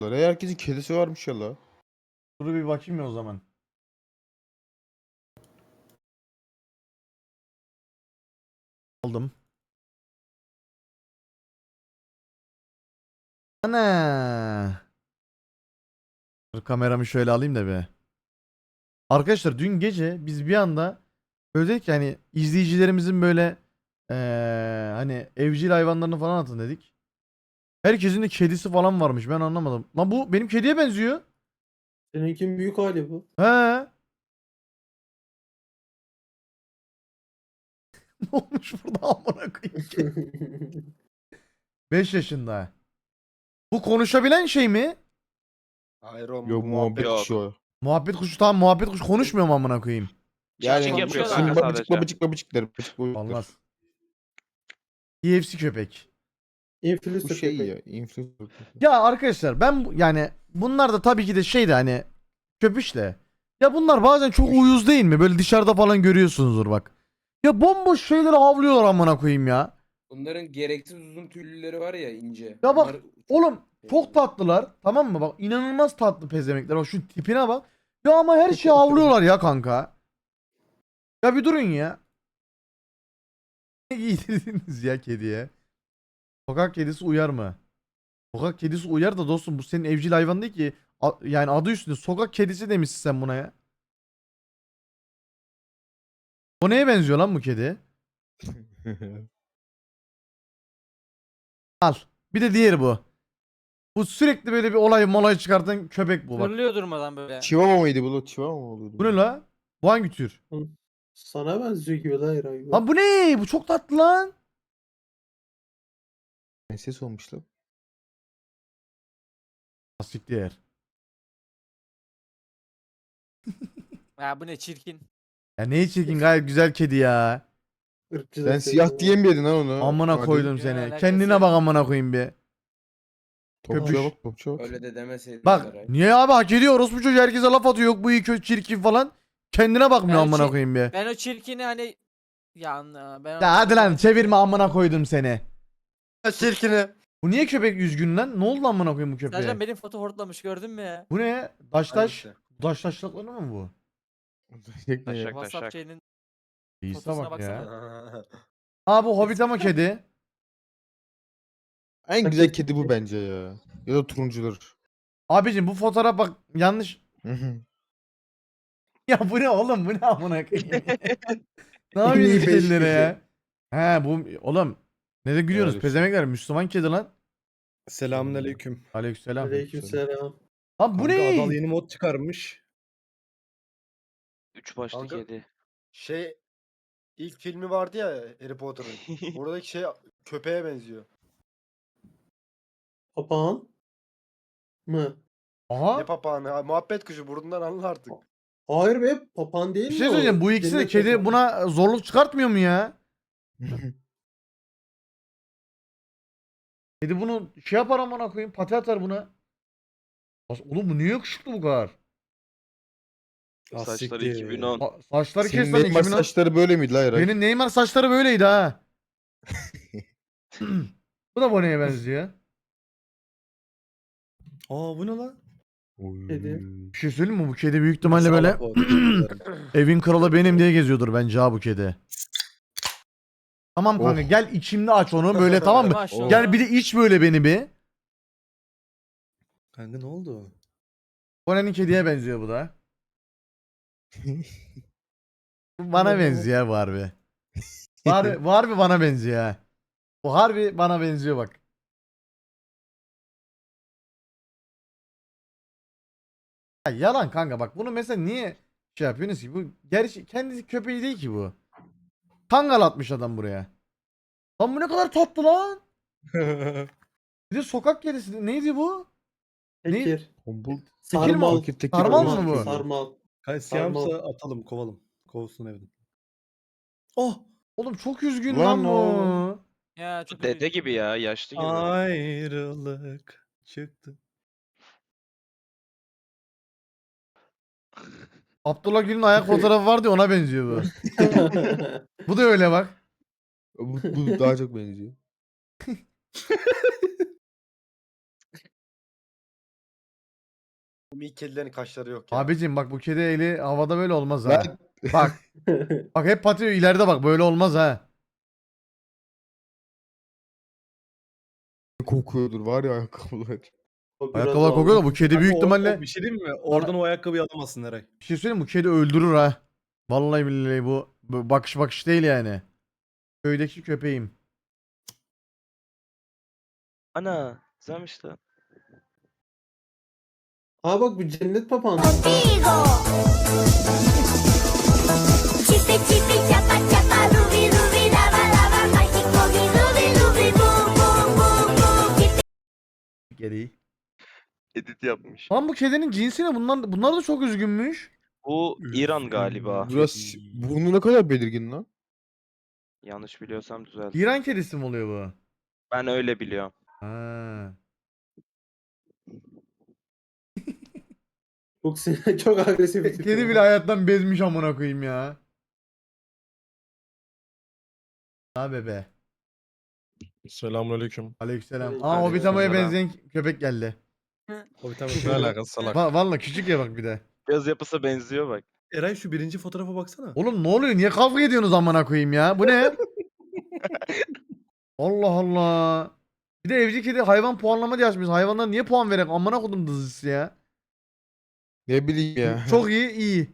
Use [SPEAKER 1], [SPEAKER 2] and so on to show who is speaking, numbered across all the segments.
[SPEAKER 1] Herkesin kedisi varmış ya la.
[SPEAKER 2] Dur bir bakayım ya o zaman. Aldım. Ana. Dur kameramı şöyle alayım da bir. Arkadaşlar dün gece biz bir anda böyle dedik ki hani izleyicilerimizin böyle hani evcil hayvanlarını falan atın dedik. Herkesin de kedisi falan varmış, ben anlamadım. Lan bu benim kediye benziyor.
[SPEAKER 3] Seninkinin büyük hali bu.
[SPEAKER 2] He. Ne olmuş burada amına koyayım. 5 yaşında. Bu konuşabilen şey mi?
[SPEAKER 4] Hayır oğlum
[SPEAKER 1] Yok
[SPEAKER 4] bu
[SPEAKER 1] muhabbet
[SPEAKER 4] muhabbet.
[SPEAKER 1] kuşu o.
[SPEAKER 2] Muhabbet kuşu, tamam muhabbet kuşu konuşmuyor mu amına koyayım?
[SPEAKER 1] Yani
[SPEAKER 5] Çiçek yapıyor
[SPEAKER 1] şimdi
[SPEAKER 5] kanka
[SPEAKER 1] babacık
[SPEAKER 5] sadece.
[SPEAKER 1] babacık babacık der. Babacık babacık der.
[SPEAKER 2] Olmaz. KFC köpek.
[SPEAKER 1] Bu
[SPEAKER 3] Influencer
[SPEAKER 1] şey
[SPEAKER 3] köpek.
[SPEAKER 1] ya. Influencer.
[SPEAKER 2] Ya arkadaşlar ben yani bunlar da tabii ki de şey de hani köpüş de. Ya bunlar bazen çok uyuz değil mi? Böyle dışarıda falan görüyorsunuzdur bak. Ya bomboş şeyleri havlıyorlar amına koyayım ya.
[SPEAKER 6] Bunların gereksiz uzun tüylüleri var ya ince.
[SPEAKER 2] Ya bak
[SPEAKER 6] Bunlar
[SPEAKER 2] oğlum çok tatlılar, tamam mı? Bak inanılmaz tatlı pezemekler. Bak şu tipine bak. Ya ama her şeyi havlıyorlar ya kanka. Ya bir durun ya. Ne giydirdiniz ya kediye? Sokak kedisi uyar mı? Sokak kedisi uyar da dostum, bu senin evcil hayvan değil ki. Yani adı üstünde sokak kedisi demişsin sen buna ya. O neye benziyor lan bu kedi? Al. Bir de diğeri bu. Bu sürekli böyle bir olay çıkartan köpek bu bak.
[SPEAKER 5] Fırlıyor durmadan böyle.
[SPEAKER 1] Chihuahua mıydı bu? Chihuahua mı oluyordu?
[SPEAKER 2] Bu ne la? Bu hangi tür?
[SPEAKER 3] Sana benziyor gibi lan herhangi bir.
[SPEAKER 2] Lan bu ne? Bu çok tatlı lan.
[SPEAKER 1] Ne ses olmuş lan?
[SPEAKER 2] Siktir.
[SPEAKER 5] Ya bu ne çirkin.
[SPEAKER 2] Ya ne çirkin, gayet güzel kedi ya.
[SPEAKER 3] Irkçı
[SPEAKER 1] Sen
[SPEAKER 3] da
[SPEAKER 1] siyah
[SPEAKER 3] sevdim.
[SPEAKER 1] diyemiyordun lan onu.
[SPEAKER 2] Amına
[SPEAKER 1] Hadi.
[SPEAKER 2] koydum
[SPEAKER 5] Ya,
[SPEAKER 2] seni.
[SPEAKER 5] alakası
[SPEAKER 2] Kendine
[SPEAKER 5] yok.
[SPEAKER 2] bak amına koyayım bir.
[SPEAKER 1] Topçuya
[SPEAKER 2] Köpüş.
[SPEAKER 1] bak topçuya bak.
[SPEAKER 6] öyle de demeseydin.
[SPEAKER 2] Bak
[SPEAKER 6] Saray.
[SPEAKER 2] niye abi, hak ediyor orospu çocuğu, herkese laf atıyor, yok bu iyi kötü çirkin falan. Kendine bakmıyor
[SPEAKER 5] Ben
[SPEAKER 2] amına
[SPEAKER 5] çir-
[SPEAKER 2] koyayım bir.
[SPEAKER 5] Ben o çirkini hani ben
[SPEAKER 2] Ya hadi lan çevirme amına koydum seni.
[SPEAKER 4] Çirkini.
[SPEAKER 2] Bu niye köpek üzgün lan? Ne oldu lan amına koyayım bu köpeğe?
[SPEAKER 5] Sercan benim foto hortlamış gördün mü ya?
[SPEAKER 2] Bu ne? Daş
[SPEAKER 4] Hangisi?
[SPEAKER 2] taşlakları mı bu?
[SPEAKER 1] Taşak.
[SPEAKER 5] WhatsApp
[SPEAKER 4] Taşak.
[SPEAKER 5] şeyinin
[SPEAKER 2] İyisi
[SPEAKER 5] fotosuna
[SPEAKER 2] bak ya.
[SPEAKER 5] baksana.
[SPEAKER 2] Aa bu Hobbit ama kedi.
[SPEAKER 1] En güzel kedi bu bence ya. Ya da turuncular.
[SPEAKER 2] Abicim bu fotoğraf bak yanlış. Ya bu ne oğlum, bu ne amına koyayım? Ne
[SPEAKER 3] En iyi
[SPEAKER 2] yapıyorsunuz
[SPEAKER 3] beş
[SPEAKER 2] kedilere
[SPEAKER 3] kedi.
[SPEAKER 2] ya? He bu oğlum. Ne de gülüyorsunuz
[SPEAKER 1] Helal olsun.
[SPEAKER 2] pezemekler, Müslüman kedi lan.
[SPEAKER 4] Selamünaleyküm.
[SPEAKER 2] Aleykümselam.
[SPEAKER 3] Aleykümselam.
[SPEAKER 2] Lan bu
[SPEAKER 4] Kanka Adal
[SPEAKER 2] ne?
[SPEAKER 4] yeni mod çıkarmış.
[SPEAKER 5] Üç başlı
[SPEAKER 4] Kanka-
[SPEAKER 5] kedi.
[SPEAKER 4] Şey ilk filmi vardı ya Harry Potter'ın. Oradaki şey köpeğe benziyor.
[SPEAKER 3] Papağan mı?
[SPEAKER 4] Ne
[SPEAKER 2] Aha.
[SPEAKER 4] papağanı ha, muhabbet kuşu burnundan anla artık.
[SPEAKER 3] Hayır be, papağan değil
[SPEAKER 2] Bir
[SPEAKER 3] mi
[SPEAKER 2] şey
[SPEAKER 3] o?
[SPEAKER 2] söyleyeceğim, bu ikisi de
[SPEAKER 3] Cennet
[SPEAKER 2] kedi
[SPEAKER 3] papağanı.
[SPEAKER 2] buna zorluk çıkartmıyor mu ya? Kedi bunu şey yapar amına koyayım, pati atar buna. Oğlum bu niye yakışıklı bu kadar?
[SPEAKER 7] Saçları 2010.
[SPEAKER 2] Saçları kes
[SPEAKER 1] Senin
[SPEAKER 2] lan
[SPEAKER 1] Neymar
[SPEAKER 2] 2010.
[SPEAKER 1] saçları böyle miydi la Eray?
[SPEAKER 2] Benim Neymar saçları böyleydi ha. Bu da Bone'ye benziyor.
[SPEAKER 7] Aa bu ne lan?
[SPEAKER 3] Kedi.
[SPEAKER 2] Bir şey söyleyeyim mi? Bu kedi büyük ihtimalle böyle
[SPEAKER 7] Salak o, özür dilerim.
[SPEAKER 2] evin kralı benim diye geziyordur bence ha bu kedi. Tamam kanka
[SPEAKER 1] Oh.
[SPEAKER 2] gel içimde aç onu böyle, tamam mı?
[SPEAKER 5] Maşallah.
[SPEAKER 2] Gel bir de iç böyle beni bir.
[SPEAKER 7] Kanka ne oldu?
[SPEAKER 2] Bone'nin kediye benziyor bu da. Bu bana benziyor bu harbi. Bu harbi bana benziyor ha. Bu harbi bana benziyor bak. Ya yalan kanka, bak bunu mesela niye şey yapıyorsunuz ki? Bu gerçi kendisi köpeği değil ki bu. Kangal atmış adam buraya. Lan bu ne kadar tatlı lan. Bir de sokak kedisi. Neydi bu?
[SPEAKER 3] Tekir.
[SPEAKER 1] Tombul.
[SPEAKER 3] Sarmal.
[SPEAKER 1] Fakir tekir
[SPEAKER 2] Sarmal
[SPEAKER 1] olmuş.
[SPEAKER 2] mı bu?
[SPEAKER 3] Sarmal.
[SPEAKER 7] Siyahımsa atalım kovalım. Kovsun evden. Oh!
[SPEAKER 2] Oğlum çok üzgün
[SPEAKER 1] Lan
[SPEAKER 2] lan bu.
[SPEAKER 1] oğlum.
[SPEAKER 5] Ya çok
[SPEAKER 7] Dede gibi ya, yaşlı gibi. Ayrılık çıktı.
[SPEAKER 2] Abdullah Gül'ün ayak fotoğrafı vardı ya, ona benziyor bu. Bu da öyle bak.
[SPEAKER 1] Bu daha çok benziyor.
[SPEAKER 4] İlk kedilerin kaşları yok ya.
[SPEAKER 2] Abicim bak bu kedi eli havada böyle olmaz ha.
[SPEAKER 1] Lan
[SPEAKER 2] Bak. Bak hep patıyor ileride bak böyle olmaz ha.
[SPEAKER 1] kokuyordur var ya ayakkabılar.
[SPEAKER 3] O biraz
[SPEAKER 2] Ayakkabılar kokuyor da bu
[SPEAKER 3] almış.
[SPEAKER 2] kedi büyük ihtimalle
[SPEAKER 7] Bir şey diyeyim mi? Oradan o ayakkabıyı alamazsın Eray.
[SPEAKER 2] bir şey söyleyeyim mi? Bu kedi öldürür ha. Vallahi billahi bu bakış değil yani. Köydeki köpeğim.
[SPEAKER 8] Ana güzelmiş lan.
[SPEAKER 3] Aa bak bu cennet papağanı.
[SPEAKER 9] Contigo. Chipi chipi chapa chapa rubi rubi lava lava magic boogie rubi rubi boom boom boom boom.
[SPEAKER 2] Geri.
[SPEAKER 8] Edit yapmış.
[SPEAKER 2] Lan bu kedinin cinsi ne? Bunlar da çok üzgünmüş.
[SPEAKER 8] Bu İran galiba.
[SPEAKER 1] Biraz burnu ne kadar belirgin lan.
[SPEAKER 8] Yanlış biliyorsam düzelt.
[SPEAKER 2] İran kedisi mi oluyor bu?
[SPEAKER 8] Ben öyle biliyorum.
[SPEAKER 2] Ha.
[SPEAKER 3] Çok çok agresif bir tip.
[SPEAKER 2] Kedi bile hayattan bezmiş amına koyayım ya. Ha bebe.
[SPEAKER 7] Selamünaleyküm.
[SPEAKER 2] Aleykümselam. Aa
[SPEAKER 3] Aleykümselam.
[SPEAKER 2] Hobbitamo'ya benzeyen köpek geldi.
[SPEAKER 7] O bir tane ne alakası salak.
[SPEAKER 2] Valla küçük ya bak bir de.
[SPEAKER 8] Göz yapısı benziyor bak.
[SPEAKER 7] Eray şu birinci fotoğrafa baksana.
[SPEAKER 2] Oğlum ne oluyor? Niye kavga ediyorsunuz amına koyayım ya? Bu ne? Allah Allah. Bir de evcil kedi hayvan puanlama diye açmış. Hayvanlar niye puan verek? Amına kodum dızısı ya.
[SPEAKER 1] Ne bileyim ya.
[SPEAKER 2] Çok iyi.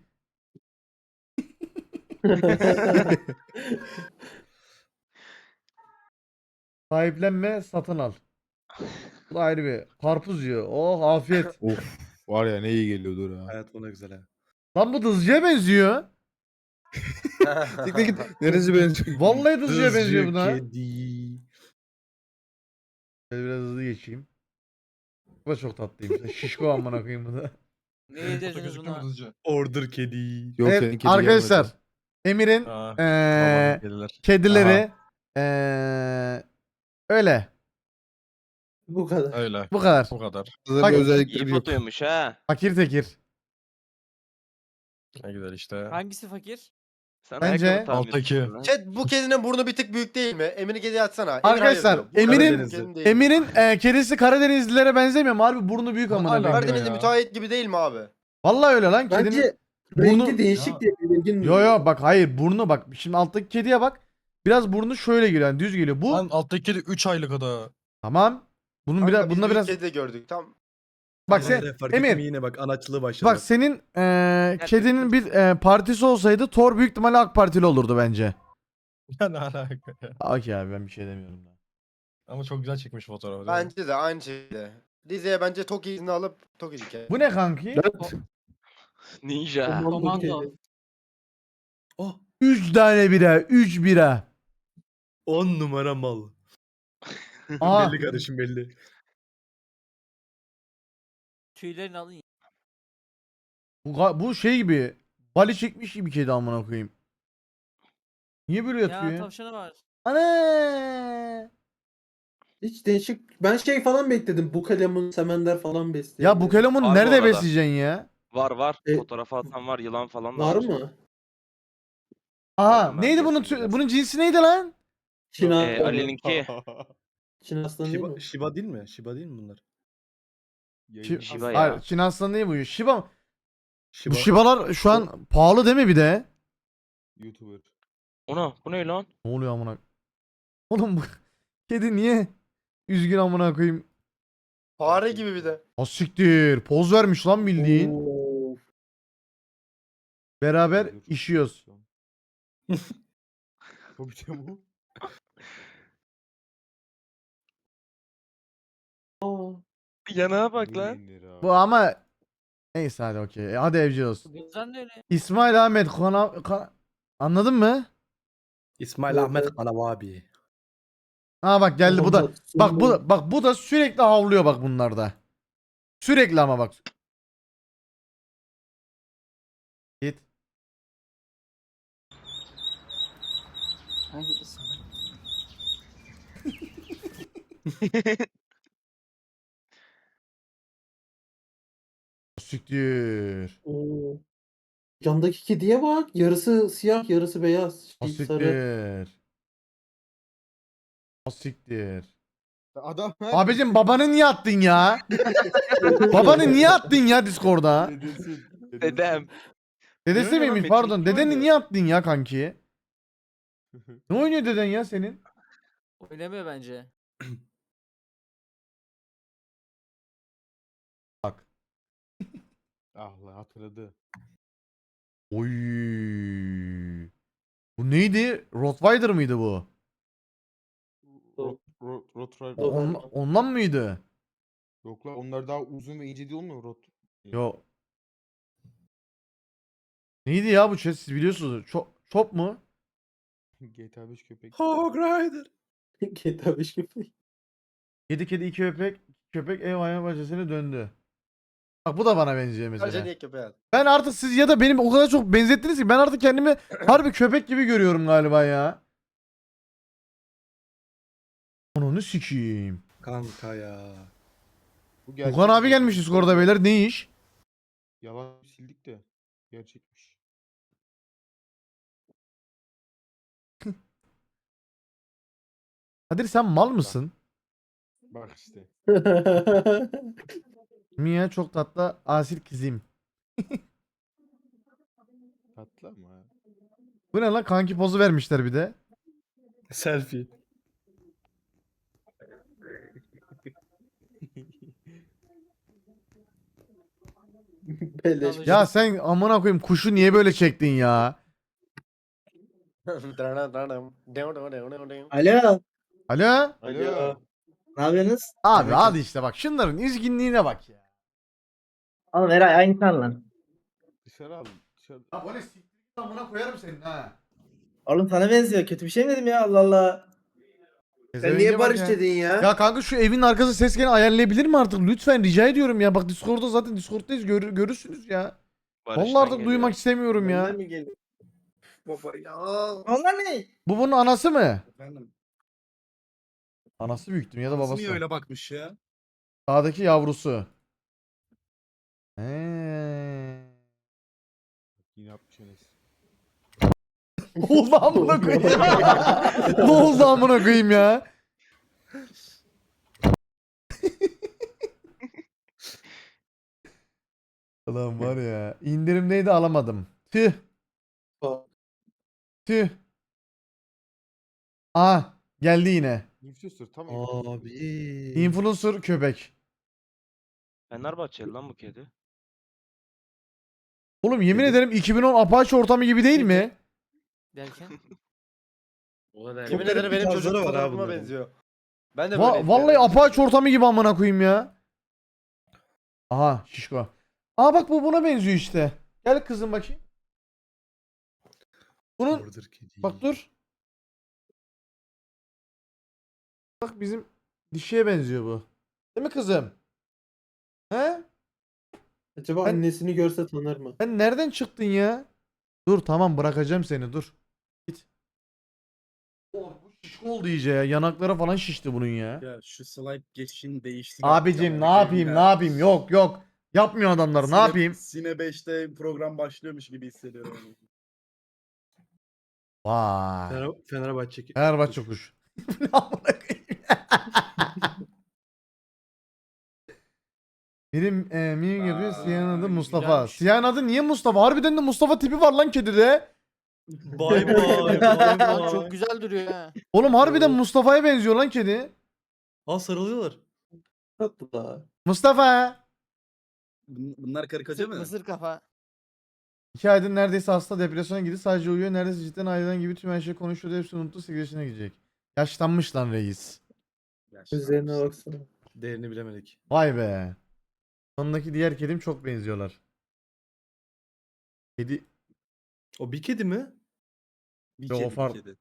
[SPEAKER 2] Sahiplenme, satın al. Bu da ayrı bir. Karpuz yiyor. Oh afiyet.
[SPEAKER 1] Of var ya ne iyi geliyordur ha.
[SPEAKER 7] Hayat buna güzel ha.
[SPEAKER 2] Lan bu dızcıya benziyor.
[SPEAKER 1] Siktir git. Neresi benziyor?
[SPEAKER 2] Vallahi dızcıya benziyor buna.
[SPEAKER 7] Kedi.
[SPEAKER 2] Şöyle biraz hızlı geçeyim. Bu da çok tatlıymış. Şişko amına koyayım bu da.
[SPEAKER 5] Ne yedirdiniz buna?
[SPEAKER 7] Order kedi.
[SPEAKER 1] Yok
[SPEAKER 2] Evet,
[SPEAKER 1] senin kedi
[SPEAKER 2] arkadaşlar.
[SPEAKER 1] gelmedi.
[SPEAKER 2] Emir'in
[SPEAKER 7] Aa,
[SPEAKER 2] eee,
[SPEAKER 7] kediler.
[SPEAKER 2] kedileri öyle.
[SPEAKER 3] Bu kadar.
[SPEAKER 7] Öyle.
[SPEAKER 2] Bu kadar.
[SPEAKER 7] Bu kadar.
[SPEAKER 1] Kızların
[SPEAKER 2] Bak-
[SPEAKER 1] özellikleri
[SPEAKER 8] İyi
[SPEAKER 1] yok.
[SPEAKER 8] fotoymuş ha.
[SPEAKER 2] Fakir tekir.
[SPEAKER 7] Ne güzel işte.
[SPEAKER 5] Hangisi fakir?
[SPEAKER 8] Sen
[SPEAKER 2] Bence-
[SPEAKER 8] ayakkabı tahmin
[SPEAKER 7] Alttaki.
[SPEAKER 8] etmişsin lan.
[SPEAKER 4] Chat bu kedinin burnu bir tık büyük değil mi? Emir'i kediye atsana. Emir
[SPEAKER 2] Arkadaşlar,
[SPEAKER 4] hayır diyor. Bu
[SPEAKER 2] Emir'in-
[SPEAKER 4] Karadenizli kedinin değil.
[SPEAKER 2] Emir'in kedisi Karadenizlilere benzemiyor mu? Harbi burnu büyük amına
[SPEAKER 7] Hala
[SPEAKER 2] koyayım.
[SPEAKER 4] Karadenizli
[SPEAKER 7] ya.
[SPEAKER 4] müteahhit gibi değil mi abi?
[SPEAKER 2] Vallahi öyle lan kedinin.
[SPEAKER 3] Bence
[SPEAKER 2] burnu-
[SPEAKER 3] rengi değişik diye belirgin.
[SPEAKER 2] Yo yo bak hayır burnu bak. Şimdi alttaki kediye bak. Biraz burnu şöyle geliyor. Yani düz geliyor. Bu
[SPEAKER 7] Lan alttaki kedi 3 aylık o da.
[SPEAKER 2] tamam. Bunun
[SPEAKER 4] Kanka,
[SPEAKER 2] biraz
[SPEAKER 4] biz
[SPEAKER 2] bunda
[SPEAKER 4] büyük
[SPEAKER 2] biraz
[SPEAKER 4] kedi de gördük. Tam
[SPEAKER 2] bak sen
[SPEAKER 7] Fark
[SPEAKER 2] Emir.
[SPEAKER 7] ettim yine bak anaçlığı başladı.
[SPEAKER 2] bak senin kedinin bir partisi olsaydı Thor büyük ihtimalle AK Partili olurdu bence.
[SPEAKER 7] Ya ne alaka ya.
[SPEAKER 2] Okey abi ben bir şey demiyorum da.
[SPEAKER 7] Ama çok güzel çekmiş fotoğrafı. değil mi?
[SPEAKER 4] bence de aynı şekilde. Rize'ye bence Toki izni alıp Toki dike.
[SPEAKER 2] Bu ne kanki?
[SPEAKER 8] Ninja.
[SPEAKER 5] Komando.
[SPEAKER 7] Oh.
[SPEAKER 2] 3 tane bira, 3 bira.
[SPEAKER 7] 10 numara mal.
[SPEAKER 2] Aa.
[SPEAKER 7] Belli kardeşim belli.
[SPEAKER 5] Tüylerini alın.
[SPEAKER 2] Bu şey gibi. Bali çekmiş gibi kedi amına koyayım. Niye böyle yatıyor
[SPEAKER 5] Ya
[SPEAKER 2] ya?
[SPEAKER 5] tavşanı var.
[SPEAKER 2] Ana!
[SPEAKER 3] Hiç değişik. Ben şey falan bekledim. Bukalemun, Semender falan besliyor.
[SPEAKER 2] Ya bu kelamonu
[SPEAKER 8] Var bu
[SPEAKER 2] nerede
[SPEAKER 8] arada.
[SPEAKER 2] besleyeceksin ya?
[SPEAKER 8] Var.
[SPEAKER 3] E-
[SPEAKER 8] Fotoğrafı atan var. Yılan falan da
[SPEAKER 3] Var mı?
[SPEAKER 2] Aha
[SPEAKER 8] Ben
[SPEAKER 2] neydi bunun
[SPEAKER 8] besledim biraz.
[SPEAKER 2] bunun cinsi neydi lan?
[SPEAKER 3] Çin aslanı.
[SPEAKER 8] Ali'ninki.
[SPEAKER 3] Çin aslanı değil
[SPEAKER 7] Shiba,
[SPEAKER 3] mi?
[SPEAKER 7] Shiba değil mi? Shiba değil mi bunlar?
[SPEAKER 8] Shiba
[SPEAKER 2] Hayır,
[SPEAKER 8] ya.
[SPEAKER 2] Çin aslanı değil bu. Shiba mı?
[SPEAKER 7] Shiba.
[SPEAKER 2] Bu Shiba'lar şu an pahalı değil mi bir de?
[SPEAKER 1] YouTuber.
[SPEAKER 8] Bu ne lan?
[SPEAKER 2] Ne oluyor amına? Oğlum bu kedi niye üzgün amına koyayım?
[SPEAKER 4] Fare gibi bir de.
[SPEAKER 2] Asiktir. Poz vermiş lan bildiğin.
[SPEAKER 3] Oo.
[SPEAKER 2] Beraber işiyoruz.
[SPEAKER 1] Hobbit'e bu.
[SPEAKER 3] Aa.
[SPEAKER 8] Yanağa bak lan.
[SPEAKER 2] Bu ama neyse hadi okey. Hadi evcil olsun.
[SPEAKER 5] Gözden de öyle.
[SPEAKER 2] İsmail Ahmet anladın mı?
[SPEAKER 7] İsmail
[SPEAKER 3] Evet,
[SPEAKER 7] Ahmet
[SPEAKER 3] evet.
[SPEAKER 7] Kalababi.
[SPEAKER 2] Ha bak geldi bu da.
[SPEAKER 3] Sonunda-
[SPEAKER 2] Bak
[SPEAKER 3] sonunda-
[SPEAKER 2] bu da sürekli havlıyor bak bunlarda. Sürekli ama bak. Git. Siktir.
[SPEAKER 3] Oo. Yandaki kediye bak. Yarısı siyah, yarısı beyaz. Şey, sarı.
[SPEAKER 2] Asiktir. Asiktir.
[SPEAKER 1] Adam
[SPEAKER 2] Abicim babanı niye attın ya? Babanı niye attın ya Discord'a?
[SPEAKER 1] Dedesi.
[SPEAKER 8] Dedem.
[SPEAKER 2] Dedesi
[SPEAKER 8] oynuyor lan?
[SPEAKER 2] miymiş
[SPEAKER 8] Metin
[SPEAKER 2] pardon.
[SPEAKER 8] 2
[SPEAKER 2] Dedeni
[SPEAKER 8] oynuyor.
[SPEAKER 2] niye attın ya kanki? Ne oynuyor deden ya senin?
[SPEAKER 5] Oynamıyor bence.
[SPEAKER 2] Bak.
[SPEAKER 1] Ah lan hatırladı.
[SPEAKER 2] Oy. Bu neydi? Rottweiler mıydı bu?
[SPEAKER 1] Rottweiler.
[SPEAKER 2] Ondan mıydı?
[SPEAKER 1] Yok lan onlar daha uzun ve ince değil mi Rot?
[SPEAKER 2] Yo. Neydi ya bu chat siz biliyorsunuz. Chop mu?
[SPEAKER 1] GTA 5 köpek.
[SPEAKER 7] Hog Rider.
[SPEAKER 3] GTA 5 gibi.
[SPEAKER 2] 7 kedi 2 köpek. Köpek ev hayvan bahçesine döndü. Bak bu da bana benziyor
[SPEAKER 4] Sadece
[SPEAKER 2] mesela.
[SPEAKER 4] niye köpeğe at?
[SPEAKER 2] Ben artık siz ya da benim o kadar çok benzettiniz ki ben artık kendimi harbi köpek gibi görüyorum galiba ya. Onu sikeyim.
[SPEAKER 7] Kanka ya.
[SPEAKER 1] Bu gerçek
[SPEAKER 2] Okan abi
[SPEAKER 1] mi?
[SPEAKER 2] gelmiş Discord'a beyler ne iş?
[SPEAKER 1] Yalan sildik de. Gerçekmiş.
[SPEAKER 2] Kadir sen mal mısın?
[SPEAKER 1] Bak işte.
[SPEAKER 2] Mia çok tatlı asil kızım.
[SPEAKER 1] Tatlı ama. ha.
[SPEAKER 2] Bu ne lan kanki pozu vermişler bir de.
[SPEAKER 7] Selfie.
[SPEAKER 3] Beleş.
[SPEAKER 2] Ya sen amına koyayım kuşu niye böyle çektin ya?
[SPEAKER 10] Alo.
[SPEAKER 2] Alo?
[SPEAKER 1] Alo.
[SPEAKER 10] Ne yapıyorsunuz?
[SPEAKER 2] Abi hadi işte bak şunların üzgünlüğüne bak ya.
[SPEAKER 10] Oğlum Eray aynı sen lan.
[SPEAKER 1] Dışarı al. Dışarı.
[SPEAKER 2] Ya bu ne siktir git amına koyarım senin ha.
[SPEAKER 10] Oğlum sana benziyor. Kötü bir şey mi dedim ya Allah Allah.
[SPEAKER 3] Sen niye barış dedin ya?
[SPEAKER 2] Ya kanka şu evin arkası ses gene ayarlayabilir mi artık? Lütfen rica ediyorum ya. Bak Discord'da zaten Discord'dayız görürsünüz ya. Vallahi artık duymak istemiyorum ya.
[SPEAKER 3] Benden mi geliyor? Baba ya.
[SPEAKER 10] Onlar ne?
[SPEAKER 2] Bu bunun anası mı?
[SPEAKER 7] Efendim.
[SPEAKER 2] Anası büyüktüm ya da
[SPEAKER 7] Nasıl
[SPEAKER 2] babası.
[SPEAKER 7] niye öyle bakmış ya?
[SPEAKER 2] Sağdaki yavrusu. He.
[SPEAKER 1] Yine yapmış Enes.
[SPEAKER 2] Ne oldu amına koyayım? Ne oldu amına koyayım ya? Ulan var ya. İndirimdeydi alamadım. Tüh. Tüh. Aa geldi yine.
[SPEAKER 1] Influencer tam
[SPEAKER 7] Abi.
[SPEAKER 2] Influencer köpek.
[SPEAKER 8] Fenerbahçeli lan bu kedi.
[SPEAKER 2] Oğlum yemin ederim 2010 Apache ortamı gibi değil mi?
[SPEAKER 5] Derken.
[SPEAKER 6] O kadar.
[SPEAKER 4] Yemin
[SPEAKER 7] garip
[SPEAKER 4] ederim
[SPEAKER 7] bir
[SPEAKER 4] benim
[SPEAKER 7] tarzları
[SPEAKER 4] çocuk
[SPEAKER 7] var ha
[SPEAKER 4] fotoğrafıma
[SPEAKER 7] bunların.
[SPEAKER 4] benziyor. Ben de böyleydim.
[SPEAKER 2] Vallahi
[SPEAKER 4] yani.
[SPEAKER 2] Apache ortamı gibi amına koyayım ya. Aha şişko. Aa bak bu buna benziyor işte. Gel kızım bakayım. Bunun
[SPEAKER 7] Order kedi.
[SPEAKER 2] bak dur. Bak bizim dişiye benziyor bu. Değil mi kızım? He?
[SPEAKER 3] Acaba
[SPEAKER 2] Ben-
[SPEAKER 3] annesini görse tanır mı?
[SPEAKER 2] Sen nereden çıktın ya? Dur tamam bırakacağım seni dur. Git. Oh, bu şişko oldu iyice ya. Yanakları falan şişti bunun ya.
[SPEAKER 7] Ya şu slide geçişini değiştir.
[SPEAKER 2] Abicim ne yapayım ne yapayım yok yok. Yapmıyor adamlar ne yapayım?
[SPEAKER 7] Sine 5'te program başlıyormuş gibi hissediyorum.
[SPEAKER 2] Vay.
[SPEAKER 7] Fenerbahçe.
[SPEAKER 2] Fenerbahçe kuş. Ne amına koyayım? Benim benim gibi siyahın adı Mustafa.
[SPEAKER 6] güzelmiş.
[SPEAKER 2] Siyahın adı niye Mustafa? Harbiden de Mustafa tipi var lan kedide.
[SPEAKER 7] Bay bay. Bay bay.
[SPEAKER 5] Çok güzel duruyor ha.
[SPEAKER 2] Oğlum harbiden Mustafa'ya benziyor lan kedi.
[SPEAKER 7] Aa sarılıyorlar.
[SPEAKER 3] Tatlı da.
[SPEAKER 2] Mustafa.
[SPEAKER 7] Bunlar karikatür mü?
[SPEAKER 5] Mısır kafa.
[SPEAKER 2] 2 aydır neredeyse hasta depresyona girdi. Sadece uyuyor. Neredeyse cidden aileden gibi tüm her şeyi konuşuyordu. Hepsini unuttu. Sigarasına gidecek. Yaşlanmış lan reis.
[SPEAKER 3] Üzerine baksana.
[SPEAKER 7] Değerini bilemedik.
[SPEAKER 2] Vay be. Sonundaki diğer kedim çok benziyorlar. Kedi
[SPEAKER 7] O bir kedi mi? Bir
[SPEAKER 2] Yok, o
[SPEAKER 7] kedi, bir
[SPEAKER 2] farklı.
[SPEAKER 7] kedi.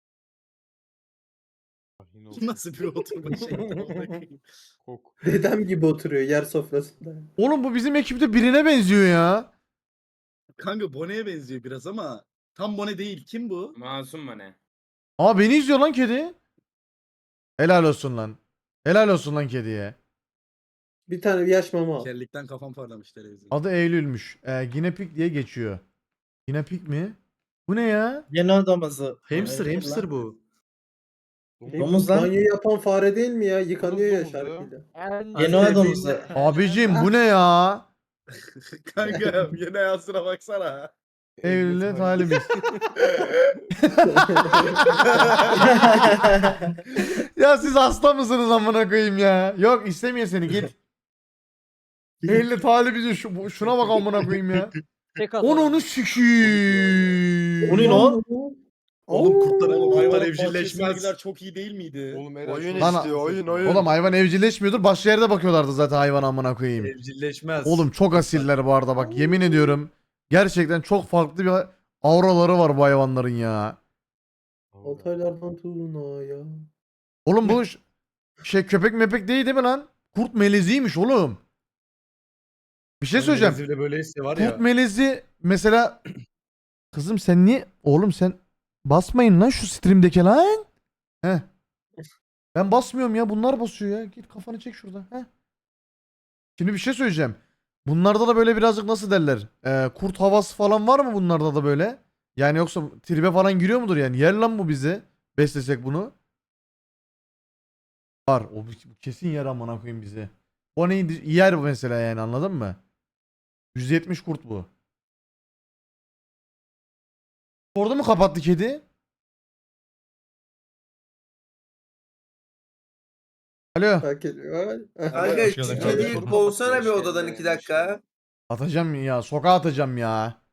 [SPEAKER 1] Yine
[SPEAKER 7] Bu nasıl bir oturma şekli?
[SPEAKER 1] Kok.
[SPEAKER 3] Dedem gibi oturuyor yer sofrasında.
[SPEAKER 2] Oğlum bu bizim ekipte birine benziyor ya.
[SPEAKER 7] Kanka Bone'ye benziyor biraz ama tam Bone değil. Kim bu?
[SPEAKER 6] Masum mu ne?
[SPEAKER 2] Aa beni izliyor lan kedi. Helal olsun lan. Helal olsun lan kediye.
[SPEAKER 3] Bir tane yaş mama al.
[SPEAKER 7] Kellikten kafam parlamış televizyon.
[SPEAKER 2] Adı Eylül'müş. Ginepik diye geçiyor. Ginepik mi? Bu ne ya?
[SPEAKER 10] Yeni odamızı.
[SPEAKER 7] Hamster, hamster bu.
[SPEAKER 10] Domuz lan.
[SPEAKER 3] Banyo yapan fare değil mi ya? Yıkanıyor ya
[SPEAKER 1] Domuz ya.
[SPEAKER 3] şarkıyla.
[SPEAKER 10] Genoa domuzu.
[SPEAKER 2] Abicim bu ne ya?
[SPEAKER 7] Kanka yine yazına baksana.
[SPEAKER 2] Eylül'e talibiz. Ya siz hasta mısınız amına koyayım ya? Yok istemiyor seni git. Eylül'e talibiz şuna bak amına koyayım ya.
[SPEAKER 5] Tek
[SPEAKER 2] Onu sikiyim.
[SPEAKER 10] O ne lan?
[SPEAKER 7] Oğlum kurtlar
[SPEAKER 3] Oo.
[SPEAKER 7] hayvan
[SPEAKER 4] Hayvan
[SPEAKER 7] evcilleşmez.
[SPEAKER 4] bahçesi çok iyi değil miydi?
[SPEAKER 1] Oğlum Eren
[SPEAKER 4] Oyun
[SPEAKER 1] şuna
[SPEAKER 4] istiyor,
[SPEAKER 1] bak.
[SPEAKER 4] oyun.
[SPEAKER 2] Oğlum hayvan evcilleşmiyordur. Başka yerde bakıyorlardı zaten hayvan amına koyayım.
[SPEAKER 7] Evcilleşmez.
[SPEAKER 2] Oğlum çok asiller bu arada bak yemin ediyorum. Gerçekten çok farklı bir auraları var bu hayvanların ya.
[SPEAKER 3] Altaylardan Tuna ya.
[SPEAKER 2] Oğlum bu şey köpek mepek değil mi lan? Kurt meleziymiş oğlum. Bir şey söyleyeceğim.
[SPEAKER 7] Brezilya böyleyse var
[SPEAKER 2] Kurt
[SPEAKER 7] ya.
[SPEAKER 2] melezi mesela kızım sen niye oğlum sen basmayın lan şu stream'deki lan. Heh. Ben basmıyorum ya bunlar basıyor ya. Git kafanı çek şurada. Heh. Şimdi bir şey söyleyeceğim. Bunlarda da böyle birazcık nasıl derler? Kurt havası falan var mı bunlarda da böyle? Yani yoksa tribe falan giriyor mudur yani? Yer lan bu bizi. Beslesek bunu. Var. O bu kesin yer amına koyayım bizi. O neydi? Yer bu mesela yani anladın mı? 170 kurt bu. Orada mı kapattı kedi? Alo.
[SPEAKER 3] Hak ediyor.
[SPEAKER 11] Kanka şu kediyi kovsana bir odadan 2 dakika.
[SPEAKER 2] Atacağım ya. Sokağa atacağım ya.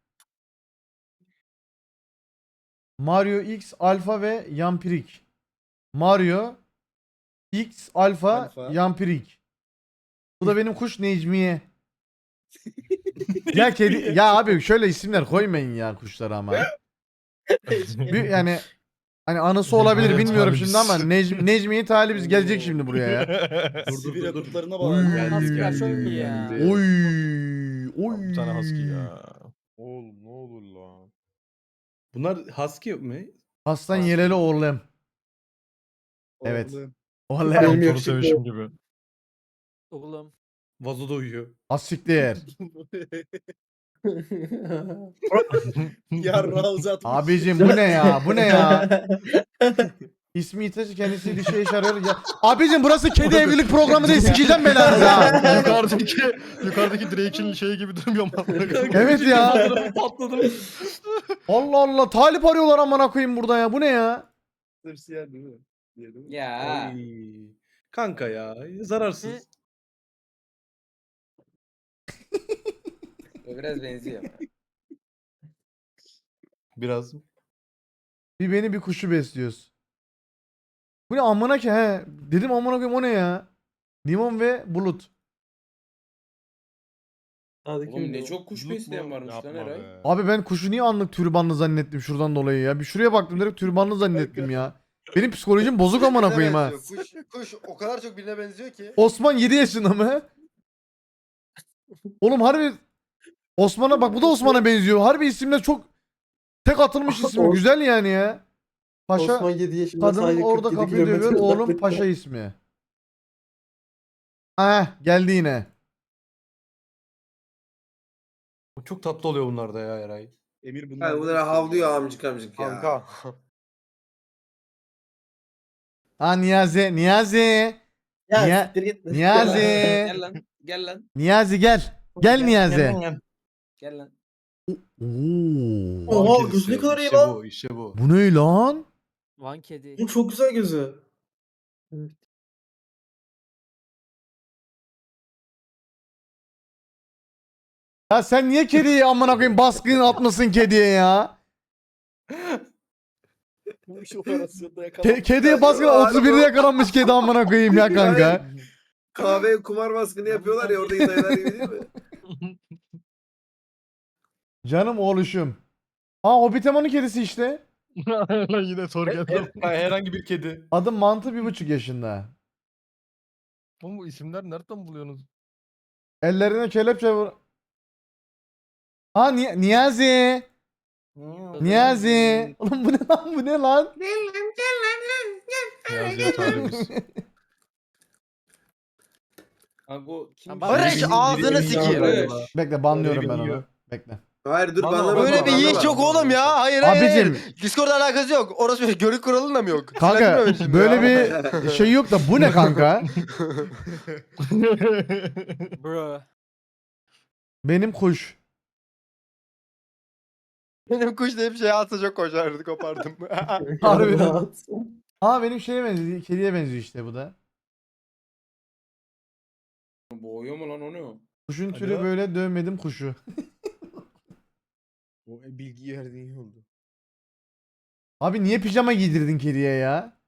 [SPEAKER 2] Mario X Alfa ve Yampirik. Mario X Alfa
[SPEAKER 7] Alfa.
[SPEAKER 2] Yampirik. Bu da benim kuş Necmiye. Ya kedi ya abi şöyle isimler koymayın ya kuşlara ama. Yani hani anısı olabilir bilmiyorum şimdi ama Necmiye talibiz gelecek şimdi buraya ya.
[SPEAKER 4] Sibirya kurtlarına
[SPEAKER 2] Oy.
[SPEAKER 4] bağlı.
[SPEAKER 5] Asker çok iyi ya.
[SPEAKER 2] Oy. Oy.
[SPEAKER 1] Bir tane husky ya. Oğlum ne olur lan.
[SPEAKER 7] Bunlar husky mi?
[SPEAKER 2] Aslan yeleli oğlum. Evet. Oğlum.
[SPEAKER 3] Benim yakışıklı.
[SPEAKER 1] gibi.
[SPEAKER 5] Oğlum.
[SPEAKER 7] Vazoda uyuyor.
[SPEAKER 2] Asiktir.
[SPEAKER 4] Ya Ravzat.
[SPEAKER 2] Abicim bu ne ya? Bu ne ya? İsmi itaşı kendisi dişe iş arıyor. Ya. Abicim burası kedi evlilik programı değil. Sikeceğim belanızı ha.
[SPEAKER 1] yukarıdaki Drake'in şeyi gibi durmuyor mu?
[SPEAKER 2] Evet ya. Allah Allah. Talip arıyorlar amına koyayım burada ya. Bu ne ya?
[SPEAKER 7] Sırsiyer değil mi? Diyelim.
[SPEAKER 11] Ya.
[SPEAKER 7] Ay. Kanka ya zararsız.
[SPEAKER 11] O biraz benziyor.
[SPEAKER 7] Biraz.
[SPEAKER 2] Bir beni bir kuşu besliyoruz. Bu ne amına ki he? Dedim amına koyayım o ne ya? Limon ve bulut.
[SPEAKER 11] Oğlum ne çok kuş besleyen varmış lan Eray.
[SPEAKER 2] Abi ben kuşu niye anlık türbanlı zannettim şuradan dolayı ya. Bir şuraya baktım direkt türbanlı zannettim ya. Benim psikolojim bozuk amına koyayım ha.
[SPEAKER 4] Kuş o kadar çok birine benziyor ki.
[SPEAKER 2] Osman 7 yaşında mı? Oğlum harbi Osman'a bak bu da Osman'a benziyor. Harbi isimler çok tek atılmış isim. Güzel yani ya. Paşa
[SPEAKER 3] Osman 7 yaşında
[SPEAKER 2] kadının
[SPEAKER 3] sadece
[SPEAKER 2] orada
[SPEAKER 3] 47
[SPEAKER 2] kapıyı dövüyor.
[SPEAKER 3] kilometre
[SPEAKER 2] Oğlum
[SPEAKER 3] uzaklıkta.
[SPEAKER 2] Paşa ismi. Geldi yine.
[SPEAKER 7] Çok tatlı oluyor bunlarda ya Eray.
[SPEAKER 4] Emir bunlar.
[SPEAKER 11] Ha, bunlar havlıyor amcık amcık ya.
[SPEAKER 4] Kanka.
[SPEAKER 2] Niyazi.
[SPEAKER 10] Ya
[SPEAKER 2] Niye-
[SPEAKER 10] siktir git.
[SPEAKER 2] Niyazi.
[SPEAKER 11] Gel lan. Gel lan.
[SPEAKER 2] Niyazi gel. Gel Niyazi.
[SPEAKER 11] Gel lan.
[SPEAKER 2] Oo.
[SPEAKER 10] Oha gözü ne kadar iyi lan.
[SPEAKER 7] İşte bu.
[SPEAKER 2] Bu ne lan?
[SPEAKER 5] Van kedi.
[SPEAKER 10] Bu çok güzel gözü.
[SPEAKER 2] Ya sen niye kediyi amına koyayım baskın atmasın kediye ya?
[SPEAKER 4] Bu iş operasyonda yakalanmış.
[SPEAKER 2] Kediye baskın 31'de yakalanmış kedi amına koyayım ya kanka.
[SPEAKER 11] Kahve kumar baskını yapıyorlar ya oradaki dayılar gibi değil mi?
[SPEAKER 2] Canım oğluşum. Hobbitemon'un kedisi işte.
[SPEAKER 1] Yine sor geldi.
[SPEAKER 7] Herhangi bir kedi.
[SPEAKER 2] Adı Mantı 1,5 yaşında.
[SPEAKER 1] Oğlum bu isimler nereden buluyorsunuz?
[SPEAKER 2] Ellerine kelepçe vur. Niyazi. Niyazi. Oğlum bu ne lan bu ne lan?
[SPEAKER 1] Niyazi'ye talibiz.
[SPEAKER 11] Kanka o kim?
[SPEAKER 5] Barış,
[SPEAKER 11] Biri-
[SPEAKER 5] ağzını
[SPEAKER 11] biri-
[SPEAKER 5] sikeyim.
[SPEAKER 11] Barış.
[SPEAKER 2] Bekle banlıyorum ben
[SPEAKER 7] Orayı
[SPEAKER 2] onu. Bekle.
[SPEAKER 11] Hayır dur
[SPEAKER 1] Vallahi
[SPEAKER 11] bana bak.
[SPEAKER 4] Böyle bir
[SPEAKER 11] bana
[SPEAKER 4] yiğit
[SPEAKER 11] bak.
[SPEAKER 4] yok oğlum ya. Hayır hayır.
[SPEAKER 2] Abicim.
[SPEAKER 4] hayır. Discord'la alakası yok. Orası bir görük kuralında mı yok?
[SPEAKER 2] Kanka
[SPEAKER 4] Sinirlendirme beni şimdi
[SPEAKER 2] böyle
[SPEAKER 4] ya.
[SPEAKER 2] bir şey yok da bu ne kanka?
[SPEAKER 5] Bro.
[SPEAKER 2] Benim kuş.
[SPEAKER 4] Benim kuş da hep şey atsa çok koşardı kopardım.
[SPEAKER 2] Harbiden.
[SPEAKER 3] Rahat.
[SPEAKER 2] Aa benim şeye benziyor. Kediye benziyor işte bu da.
[SPEAKER 6] Boğuyor mu lan onu?
[SPEAKER 2] Kuşun türü
[SPEAKER 1] Alo?
[SPEAKER 2] böyle dövmedim kuşu.
[SPEAKER 1] Bu bilgi verdiğin iyi oldu.
[SPEAKER 2] Abi niye pijama giydirdin kediye ya?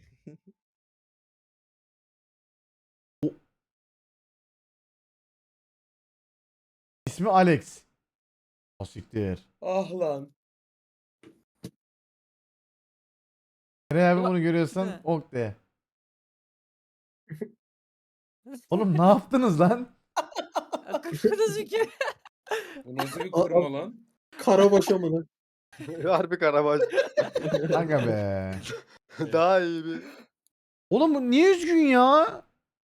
[SPEAKER 2] O- İsmi Alex. Asiktir.
[SPEAKER 6] Ah lan.
[SPEAKER 2] Eray abi
[SPEAKER 5] Ulan,
[SPEAKER 2] bunu görüyorsan
[SPEAKER 5] ne?
[SPEAKER 2] ok de. Oğlum ne yaptınız lan?
[SPEAKER 5] Kırmızı ki.
[SPEAKER 6] Bu nasıl bir kurma lan?
[SPEAKER 3] Karabaşa mı lan?
[SPEAKER 4] Harbi karabaş.
[SPEAKER 2] Kanka be.
[SPEAKER 4] Daha iyi bir.
[SPEAKER 2] Oğlum bu niye üzgün ya?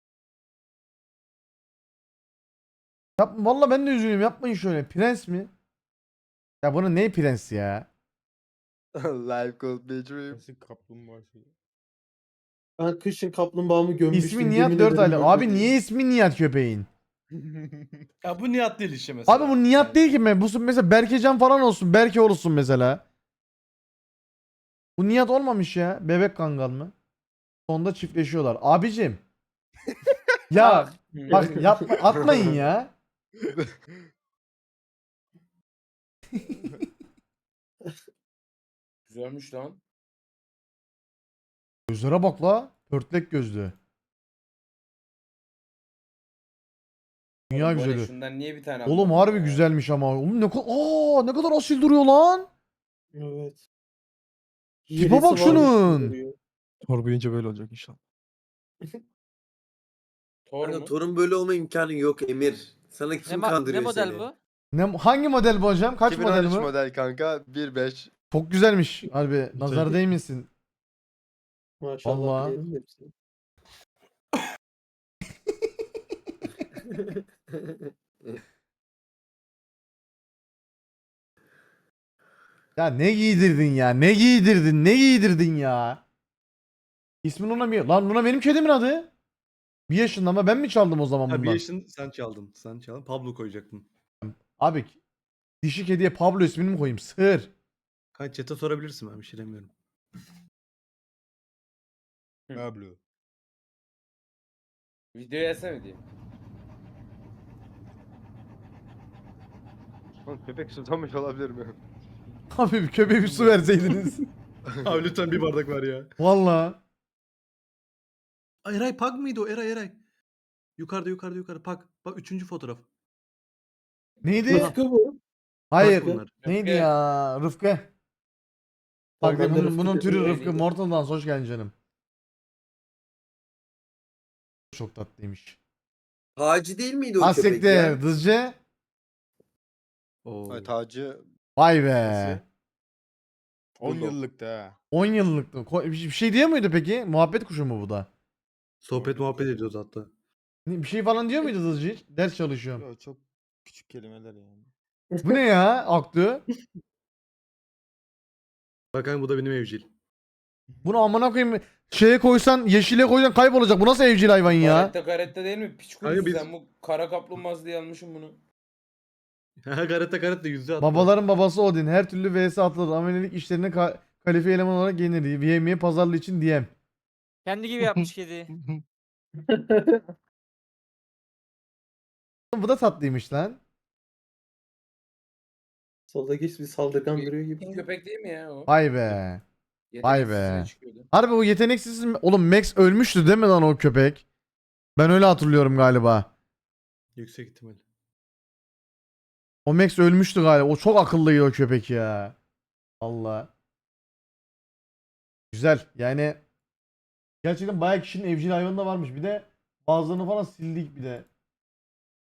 [SPEAKER 2] Valla ben de üzgünüm. Yapmayın şöyle. Prens mi? Ya bunun ne prens ya?
[SPEAKER 4] Life could be a dream.
[SPEAKER 1] Nasıl kaplumbağa şey.
[SPEAKER 3] Ben kışın kaplumbağamı gömmüştüm.
[SPEAKER 2] İsmi Nihat
[SPEAKER 3] yemin
[SPEAKER 2] 4
[SPEAKER 3] ederim
[SPEAKER 2] aylık.
[SPEAKER 3] ben
[SPEAKER 2] Abi
[SPEAKER 3] de-
[SPEAKER 2] niye ismi Nihat köpeğin?
[SPEAKER 7] Ya bu Nihat değil işte mesela.
[SPEAKER 2] Abi bu Nihat değil ki mi? Bu mesela Berkecan falan olsun. Berke olsun mesela. Bu Nihat olmamış ya. Bebek kangal mı? Sonunda çiftleşiyorlar. Abicim. Ya bak yapma, atmayın ya.
[SPEAKER 6] Güzelmiş lan.
[SPEAKER 2] Gözlere bak la. Pörtlek gözlü. Dünya
[SPEAKER 6] Oğlum, bu ne?
[SPEAKER 2] güzeli.
[SPEAKER 6] Şundan niye bir tane
[SPEAKER 2] Oğlum
[SPEAKER 6] almadın
[SPEAKER 2] harbi
[SPEAKER 6] ya?
[SPEAKER 2] güzelmiş ama. Oğlum ne kadar asil duruyor lan.
[SPEAKER 3] Evet.
[SPEAKER 2] Tipe
[SPEAKER 3] Yelesi
[SPEAKER 2] bak
[SPEAKER 3] varmış
[SPEAKER 2] şunun.
[SPEAKER 3] gibi duruyor.
[SPEAKER 1] Tor büyüyünce böyle olacak inşallah.
[SPEAKER 6] Tor
[SPEAKER 11] Kanka
[SPEAKER 6] mu?
[SPEAKER 11] torun böyle olma imkanı yok Emir. Sana
[SPEAKER 5] Ne,
[SPEAKER 11] kim
[SPEAKER 5] ne
[SPEAKER 11] kandırıyor
[SPEAKER 5] model
[SPEAKER 11] seni?
[SPEAKER 5] bu?
[SPEAKER 2] Hangi model bu hocam? Kaç model
[SPEAKER 4] 2013
[SPEAKER 2] bu?
[SPEAKER 4] model kanka 1.5.
[SPEAKER 2] Çok güzelmiş. Harbi nazar değmesin.
[SPEAKER 3] Maşallah.
[SPEAKER 2] Vallahi.
[SPEAKER 3] diyelim hepsine.
[SPEAKER 2] Ya ne giydirdin ya? Ne giydirdin? Ne giydirdin ya? İsmin Luna mı? Lan Luna benim kedimin adı. 1 yaşında ama ben mi çaldım o zaman
[SPEAKER 7] Ha, bir
[SPEAKER 2] bundan?
[SPEAKER 7] yaşın sen çaldın. Sen çaldın. Pablo koyacaktın.
[SPEAKER 2] Abi dişi kediye Pablo ismini mi koyayım? Sığır.
[SPEAKER 7] Kaç chat'e sorabilirsin, ben bir şey demiyorum.
[SPEAKER 1] Pablo.
[SPEAKER 6] Videoya yazsana diyeyim.
[SPEAKER 4] Oğlum köpek susamış olabilir mi?
[SPEAKER 2] Abi bir köpeğe bir su verseydiniz.
[SPEAKER 7] Abi lütfen bir bardak ver ya.
[SPEAKER 2] Valla.
[SPEAKER 7] Eray Pag mıydı o? Eray. Yukarıda Pag. Bak 3. fotoğraf.
[SPEAKER 2] Neydi?
[SPEAKER 3] Rıfkı bu.
[SPEAKER 2] Hayır.
[SPEAKER 7] bunlar.
[SPEAKER 2] Neydi
[SPEAKER 6] Rıfkı.
[SPEAKER 2] ya? Rıfkı. Bak
[SPEAKER 3] Ben de
[SPEAKER 2] bunun
[SPEAKER 3] Rıfkı
[SPEAKER 2] türü
[SPEAKER 3] dedim.
[SPEAKER 2] Rıfkı. Mortal Dance hoş geldin canım. Çok tatlıymış.
[SPEAKER 11] Taci değil miydi o köpek ya?
[SPEAKER 2] Asiktir. Dızcı.
[SPEAKER 7] Oo.
[SPEAKER 4] Ay, tacı.
[SPEAKER 2] Vay be.
[SPEAKER 1] 10
[SPEAKER 11] Bulldog.
[SPEAKER 1] yıllık da.
[SPEAKER 2] 10 yıllık. Bir şey diyor muydu peki? Muhabbet kuşu mu bu da?
[SPEAKER 7] Sohbet muhabbet ediyoruz hatta.
[SPEAKER 2] Bir şey falan diyor muydu Dızcı hiç? Ders çalışıyorum.
[SPEAKER 1] Ya çok küçük kelimeler yani.
[SPEAKER 2] Bu ne ya? Aktu.
[SPEAKER 7] Bak kanka bu da benim evcil.
[SPEAKER 2] Bunu amına koyayım. Şeye koysan, yeşile koysan kaybolacak. Bu nasıl evcil hayvan ya?
[SPEAKER 6] Karette değil mi? Piç
[SPEAKER 7] Kanka
[SPEAKER 6] kurusu
[SPEAKER 7] biz-
[SPEAKER 6] sen bu kara kaplumbağası diye almışım bunu.
[SPEAKER 7] Ha garette yüzü hatta.
[SPEAKER 2] Babaların babası Odin. Her türlü vs atılır. Amelilik işlerine kalifiye eleman olarak gelir. VM'ye pazarlığı için DM.
[SPEAKER 5] Kendi gibi yapmış kedi.
[SPEAKER 2] Bu da tatlıymış lan.
[SPEAKER 3] Soldaki ismi saldırgan duruyor
[SPEAKER 6] İlk
[SPEAKER 3] gibi.
[SPEAKER 6] köpek değil mi ya o?
[SPEAKER 2] Vay be. Vay
[SPEAKER 6] Yeteneksizine
[SPEAKER 2] be.
[SPEAKER 6] çıkıyordu.
[SPEAKER 2] Harbi o yeteneksiz mi? Oğlum Max ölmüştü değil mi lan o köpek? Ben öyle hatırlıyorum galiba.
[SPEAKER 7] Yüksek ihtimal.
[SPEAKER 2] O Max ölmüştü galiba. O çok akıllıydı o köpek ya. Allah. Güzel. Yani gerçekten bayağı kişinin evcil hayvanı da varmış. Bir de bazılarını falan sildik bir de.